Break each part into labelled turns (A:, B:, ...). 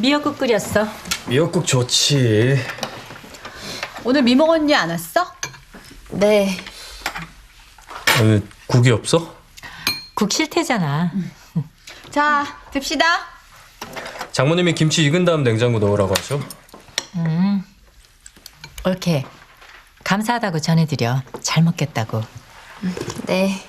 A: 미역국 끓였어.
B: 미역국 좋지.
C: 오늘 미몽 언니 안 왔어?
D: 네.
B: 오늘 국이 없어?
A: 국 싫대잖아.
C: 자, 듭시다.
B: 장모님이 김치 익은 다음 냉장고 넣으라고 하셔.
A: 옳게. 감사하다고 전해드려. 잘 먹겠다고.
D: 네.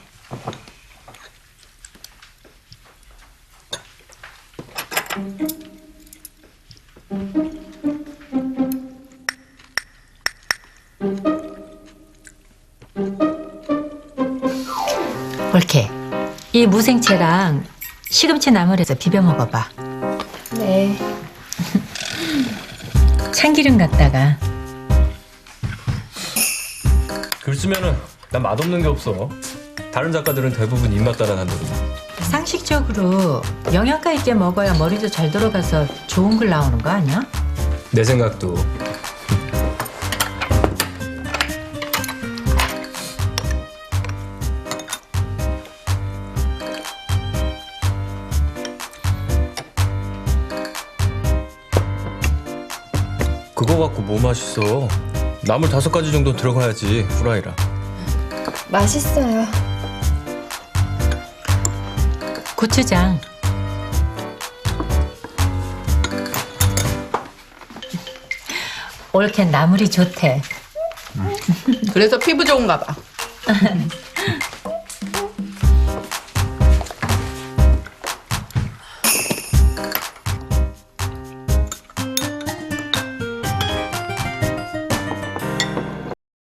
A: 옳게. 이 무생채랑 시금치 나물에서 비벼 먹어봐.
D: 네.
A: 참기름 갖다가.
B: 글 쓰면은 난 맛없는 게 없어. 다른 작가들은 대부분 입맛 따라한다고.
A: 상식적으로 영양가 있게 먹어야 머리도 잘 돌아가서 좋은 글 나오는 거 아니야?
B: 내 생각도. 그거 갖고 뭐 맛있어? 나물 5가지 정도 들어가야지 후라이라.
D: 맛있어요.
A: 고추장. 옳게 나물이 좋대.
C: 그래서 피부 좋은가 봐.